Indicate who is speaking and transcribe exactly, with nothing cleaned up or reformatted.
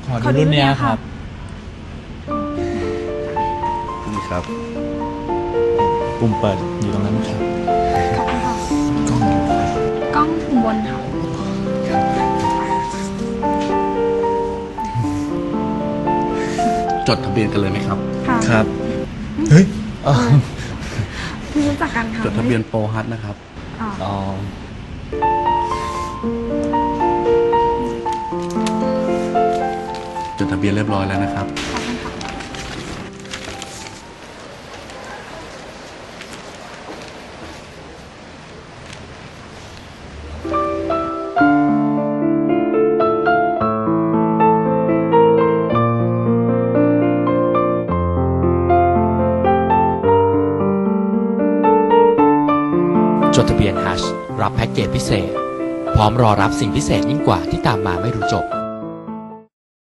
Speaker 1: ขอดูรุ่นเนี้ยครับ
Speaker 2: นี่ครับ
Speaker 1: ปุ่มเปิดอยู่ตรงนั้นครับ
Speaker 3: ขอบคุณค่ะ
Speaker 1: กล้องอยู่ครับ
Speaker 3: กล้องปุ่มบนค่ะ
Speaker 2: จดทะเบียนกันเลยไหมครับ
Speaker 3: ค่ะ
Speaker 1: ครับ เฮ้ยอ๋อ
Speaker 3: เพิ่งรู้จักกันค่ะ
Speaker 2: จดทะเบียนโปรฮัทนะครับ
Speaker 3: อ๋อ
Speaker 1: อ๋อ
Speaker 2: จดทะเบียนเรียบร้อยแล้วนะครับ
Speaker 3: ขอบคุณค่ะ
Speaker 4: จดทะเบียนฮัชรับแพ็กเกจพิเศษ พร้อมรอรับสิ่งพิเศษยิ่งกว่าที่ตามมาไม่รู้จบ